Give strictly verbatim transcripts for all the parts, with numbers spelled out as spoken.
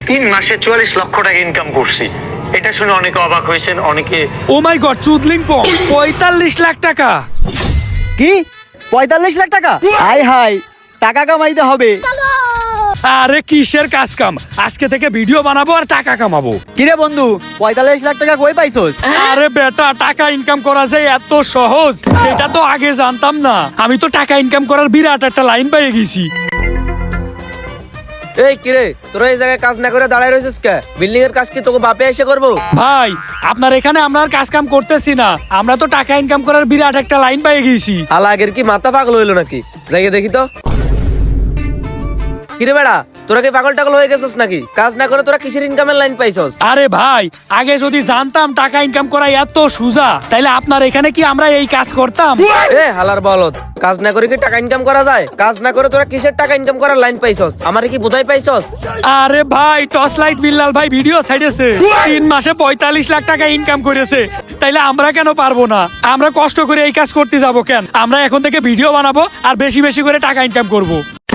তিন মাসে চুয়াল্লিশ লক্ষ টাকা ইনকাম করছি। এটা শুনে অনেকে অবাক হয়েছেন, অনেকে ও মাই গড, চুদলিং পং পঁয়তাল্লিশ লাখ টাকা। কি পঁয়তাল্লিশ লাখ টাকা? হাই হাই, টাকা কামাইতে হবে। আরে কিসের কাজ কাম, আজকে থেকে ভিডিও বানাবো আর টাকা কামাবো। কিরে বন্ধু, পঁয়তাল্লিশ লাখ টাকা কই পাইছস? আরে বেটা, টাকা ইনকাম করা যায় এত সহজ এটা তো আগে জানতাম না। আমি তো টাকা ইনকাম করার বিরাট একটা লাইন পেয়ে গেছি। এই কিরে, তোরা এই জায়গায় কাজ না করে দাঁড়ায় রয়েছিস কে? বিল্ডিং এর কাজ কি তোকে বাপে এসে করবো? ভাই আপনার এখানে আমরা আর কাজ কাম করতেছি না, আমরা তো টাকা ইনকাম করার বিরাট একটা লাইন পেয়ে গেছি। আলা আগের কি মাথা পাগল হইলো নাকি? জায়গা দেখি তো। কিরে বেড়া, তোরা কি পাগল টাগল হয়ে গেছিস নাকি? কাজ না করে তোরা কিসের ইনকামের লাইন পাইছস? আরে ভাই, আগে যদি জানতাম টাকা ইনকাম করা এত সোজা, তাইলে আপনার এখানে কি আমরা এই কাজ করতাম? এ হালার বলদ, কাজ না করে কি টাকা ইনকাম করা যায়? কাজ না করে তোরা কিসের টাকা ইনকাম করার লাইন পাইছস? আমারে কি বোঝাই পাইছস? আরে ভাই, টর্চ লাইট বিল্লাল ভাই ভিডিও ছাইড়েছে, তিন মাসে পঁয়তাল্লিশ লাখ টাকা ইনকাম করেছে, তাইলে আমরা কেন পারবো না? আমরা কষ্ট করে এই কাজ করতে যাব কেন? আমরা এখন থেকে ভিডিও বানাবো আর বেশি বেশি করে টাকা ইনকাম করব।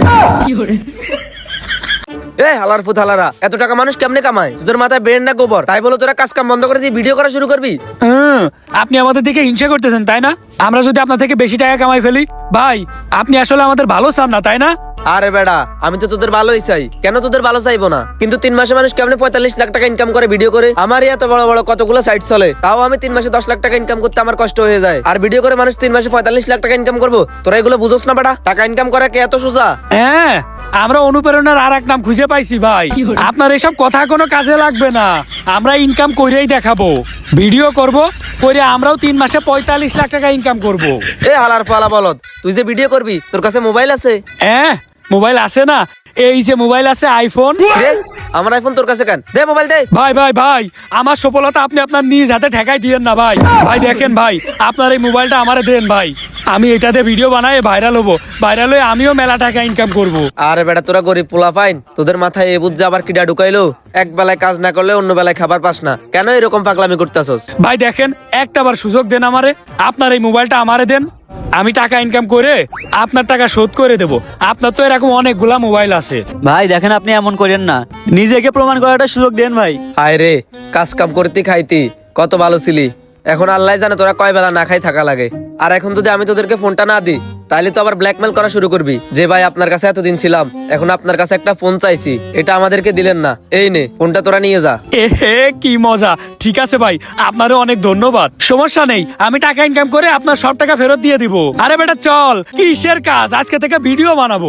এ হালার ফুত হালারা, এত টাকা মানুষ কেমনে কামায়? তোদের মাথায় ব্রেন না গোবর? তাই বলো তোরা কাজ কাম বন্ধ করে দিয়ে ভিডিও করা শুরু করবি? হুম, আপনি আমাদের দিকে হিংসা করতেছেন তাই না? আমরা যদি আপনার থেকে বেশি টাকা কামাই ফেলি, ভাই আপনি আসলে আমাদের ভালো চান না তাই না? আরে বেড়া, আমি তো তোদের ভালোই চাই, কেন তোদের ভালো চাইবো না? কিন্তু তিন মাসে মানুষ কেমনে পঁয়তাল্লিশ লাখ টাকা ইনকাম করে ভিডিও করে? আমারই এত বড় বড় কতগুলো সাইট চলে, তাও আমি তিন মাসে দশ লাখ টাকা ইনকাম করতে আমার কষ্ট হয়ে যায়। আর ভিডিও করে মানুষ তিন মাসে পঁয়তাল্লিশ লাখ টাকা ইনকাম করবো? তোরা এগুলো বুঝোস না বেড়া? টাকা ইনকাম করা কি এত সোজা? হ্যাঁ, আমরা অনুপ্রেরণার আর এক নাম খুঁজে পাইছি ভাই। আপনার এসব কথা কোনো কাজে লাগবে না, আমরা ইনকাম করেই দেখাবো। ভিডিও করব, করে আমরাও তিন মাসে পঁয়তাল্লিশ লাখ টাকা ইনকাম করব। এ হালার পালা বলদ, তুই যে ভিডিও করবি তোর কাছে মোবাইল আছে? হ্যাঁ, মোবাইল আছে না, এই যে মোবাইল আছে আইফোন। রে, আমার আইফোন তোর কাছে কেন? দে মোবাইল দে। ভাই ভাই ভাই, আমার সফলতা আপনি আপনার নিজ হাতে ঠেকাই দিয়েন না ভাই। ভাই দেখেন ভাই, আপনার এই মোবাইলটা আমারে দেন ভাই, আমি এটাতে ভিডিও বানাই ভাইরাল হবো, ভাইরাল হয়ে আমিও মেলা টাকা ইনকাম করব। আরে বেটা, তোরা গরিব পোলা পাইন, তোদের মাথায় এ বুঝছে আবার কিডা ঢুকাইলো? এক বেলায় কাজ না করলে অন্য বেলায় খাবার পাস না, কেন এরকম পাগলামি করতেছস? ভাই দেখেন, একটা বার সুযোগ দেন আমারে, আপনার এই মোবাইলটা আমারে দেন, আমি টাকা ইনকাম করে আপনার টাকা শোধ করে দেব। আপনার তো এরকম অনেকগুলা মোবাইল আছে। ভাই দেখেন, আপনি এমন করেন না, নিজেকে প্রমাণ করাটা সুযোগ দেন ভাই। আয় রে, কাজ কাম করতে খাইতি কত ভালো ছিলি, এখন আল্লাহ জানে তোরা কয় বেলা না খাই থাকা লাগে। আর এখন যদি আমি তোদেরকে ফোনটা না দিই, তাহলে তো আবার ব্ল্যাকমেল করা শুরু করবি যে ভাই আপনার কাছে এতদিন ছিলাম, এখন আপনার কাছে একটা ফোন চাইছি, এটা আমাদেরকে দিলেন না, এই নে ফোনটা তোরা নিয়ে যা। এ হে, কি মজা। ঠিক আছে ভাই, আপনারও অনেক ধন্যবাদ, সমস্যা নেই, আমি টাকা ইনকাম করে আপনার সব টাকা ফেরত দিয়ে দিব। আরে বেটা চল, কিসের কাজ, আজকে থেকে ভিডিও বানাবো।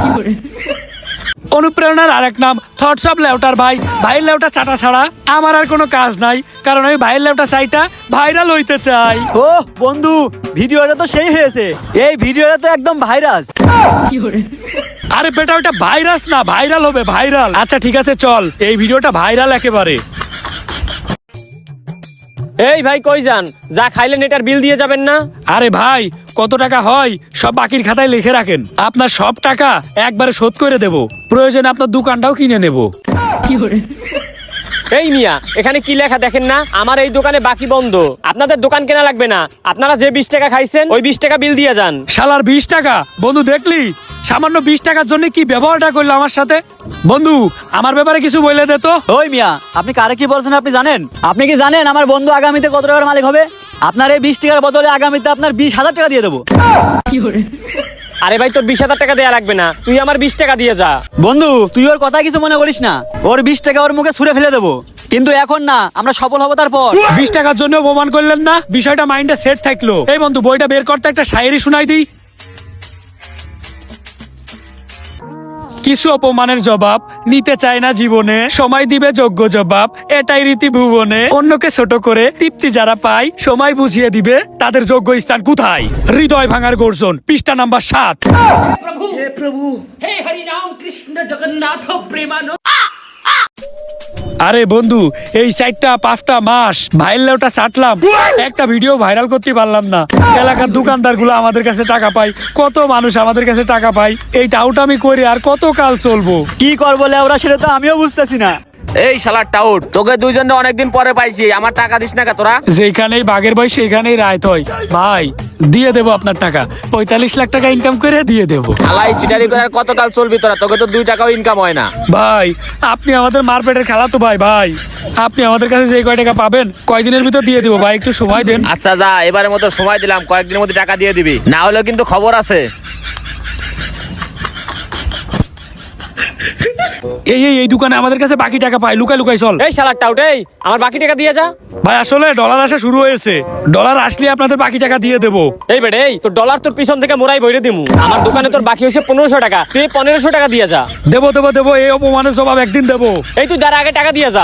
অনুপ্রেরণার আরেক নাম থটস অফ লেউটার ভাই। ভাইয়ের লেউটা চাটা ছাড়া আমার আর কোনো কাজ নাই, কারণ আমি ভাইয়ের লেউটা চাইটা ভাইরাল হইতে চাই। ও বন্ধু, ভিডিওটা তো সেই হয়েছে, এই ভিডিওটা তো একদম ভাইরাস। আরে বেটা, ওটা ভাইরাস না, ভাইরাল হবে, ভাইরাল। আচ্ছা ঠিক আছে চল, এই ভিডিওটা ভাইরাল একেবারে। এই ভাই কই যান? যা খাইলেন এটার বিল দিয়ে যাবেন না? আরে ভাই, কত টাকা হয় সব বাকির খাতায় লিখে রাখেন, আপনার সব টাকা একবারে শোধ করে দেব, প্রয়োজনে আপনার দোকানটাও কিনে নেব। এই মিয়া, এখানে কি লেখা দেখেন না? আমার এই দোকানে বাকি বন্ধ, আপনাদের দোকান কেনা লাগবে না, আপনারা যে বিশ টাকা খাইছেন ওই বিশ টাকা বিল দিয়ে যান। শালার বিশ টাকা? বন্ধু দেখলি, সামান্য বিশ টাকার জন্য কি ব্যবহারটা করলো আমার সাথে? বন্ধু, আমার ব্যাপারে কিছু বলে দে তো। ওই মিয়া, আপনি কারে কি বলছেন আপনি জানেন? আপনি কি জানেন আমার বন্ধু আগামীতে কত টাকার মালিক হবে? আপনার এই বিশ টাকার বদলে আগামীতে আপনার বিশ হাজার টাকা দিয়ে দেবো। আরে ভাই, তোর বিশ হাজার টাকা দেয়া লাগবে না, তুই আমার বিশ টাকা দিয়ে যা। বন্ধু, তুই ওর কথা কিছু মনে করিস না, ওর বিশ টাকা ওর মুখে ছুঁড়ে ফেলে দেবো, কিন্তু এখন না, আমরা সফল হবো তারপর। বিশ টাকার জন্য অপমান করলেন না, বিষয়টা মাইন্ডে সেট থাকলো। এই বন্ধু, বইটা বের করতে, একটা শায়েরি শুনাই দিই। কিছু অপমানের জবাব নিতে চায় না জীবনে, সময় দিবে যোগ্য জবাব, এটাই রীতি ভুবনে। অন্যকে ছোট করে তৃপ্তি যারা পায়, সময় বুঝিয়ে দিবে তাদের যোগ্য স্থান কোথায়। হৃদয় ভাঙার গর্জন, পৃষ্ঠা নাম্বার সাত। प्रभु हे प्रभु हे हरि राम कृष्ण जगन्नाथ प्रेमानंद। আরে বন্ধু, এই চারটা পাঁচটা মাস ভাইরাল ওটা চাটলাম, একটা ভিডিও ভাইরাল করতে পারলাম না। এলাকার দোকানদার গুলো আমাদের কাছে টাকা পাই, কত মানুষ আমাদের কাছে টাকা পাই, এই টাউটা আমি করি আর কত কাল চলবো? কি করবো লেওরা, সেটা তো আমিও বুঝতেছি না। এই শালার টাউট, তোকে দুইজনে অনেকদিন পরে পাইছি, আমার টাকা দিস না কা তোরা? যেখানেই বাঘের বই সেখানেই রায় হয় ভাই। দিয়ে দেবো আপনার টাকা, পঁয়তাল্লিশ লাখ টাকা ইনকাম করে দিয়ে দেবো। আলাই সিটারি করে আর কতকাল চলবি তোরা? তোকে তো দুই টাকাও ইনকাম হয় না। ভাই আপনি আমাদের মারপেটের খেলা তো ভাই ভাই আপনি আমাদের কাছে যে কয় টাকা পাবেন কয়দিনের ভিতর দিয়ে দেবো ভাই, একটু সময় দেন। আচ্ছা যা, এবারের মতো সময় দিলাম, কয়েকদিনের মধ্যে টাকা দিয়ে দিবি, না হলে কিন্তু খবর আছে। এই এই এই দোকানে আমাদের কাছে বাকি টাকা পাই, লুকাই লুকাই চল। এই শালার টাউট, এই আমার বাকি টাকা দিয়ে যা। ভাই আসলে ডলার আসা শুরু হয়েছে, ডলার আসলে আপনাদের বাকি টাকা দিয়ে দেবো। এই বেড়ে, এই তোর ডলার তোর পিছন থেকে মোরাই বইরে দিমু। আমার দোকানে তোর বাকি হয়েছে পনেরোশো টাকা, তুই পনেরোশো টাকা দিয়ে যা। দেবো দেবো দেবো, এই অপমানের জবাব একদিন দেবো। এই তুই যারা আগে টাকা দিয়ে যা।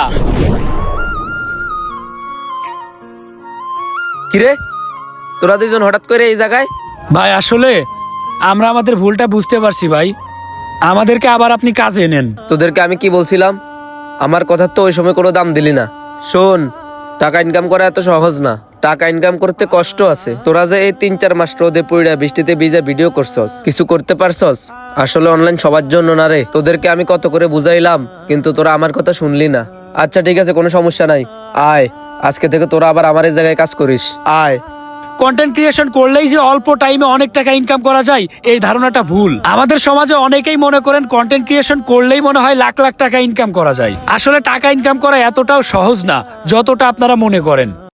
কিরে তোরা দুজন হঠাৎ করে এই জায়গায়? ভাই আসলে আমরা আমাদের ভুলটা বুঝতে পারছি ভাই, আমাদেরকে আবার আপনি কাজে নেন। তোদেরকে আমি কি বলছিলাম? আমার কথার তো ওই সময় কোনো দাম দিলি না। শোন, টাকা ইনকাম করা এত সহজ না, টাকা ইনকাম করতে কষ্ট আছে। তোরা যে এই তিন চার মাস রোদে পইড়া বৃষ্টিতে ভিজা ভিডিও করছস, কিছু করতে পারছস? আসলে অনলাইন সবার জন্য না রে। তোদেরকে আমি কত করে বুঝাইলাম, কিন্তু তোরা আমার কথা শুনলি না। আচ্ছা ঠিক আছে, কোনো সমস্যা নাই, আয় আজকে থেকে তোরা আবার আমার এই জায়গায় কাজ করিস, আয়। কন্টেন্ট ক্রিয়েশন করলেই যে অল্প টাইমে অনেক টাকা ইনকাম করা যায়, এই ধারণাটা ভুল। আমাদের সমাজে অনেকেই মনে করেন কন্টেন্ট ক্রিয়েশন করলেই মনে হয় লাখ লাখ টাকা ইনকাম করা যায়। আসলে টাকা ইনকাম করা এতটাও সহজ না যতটা আপনারা মনে করেন।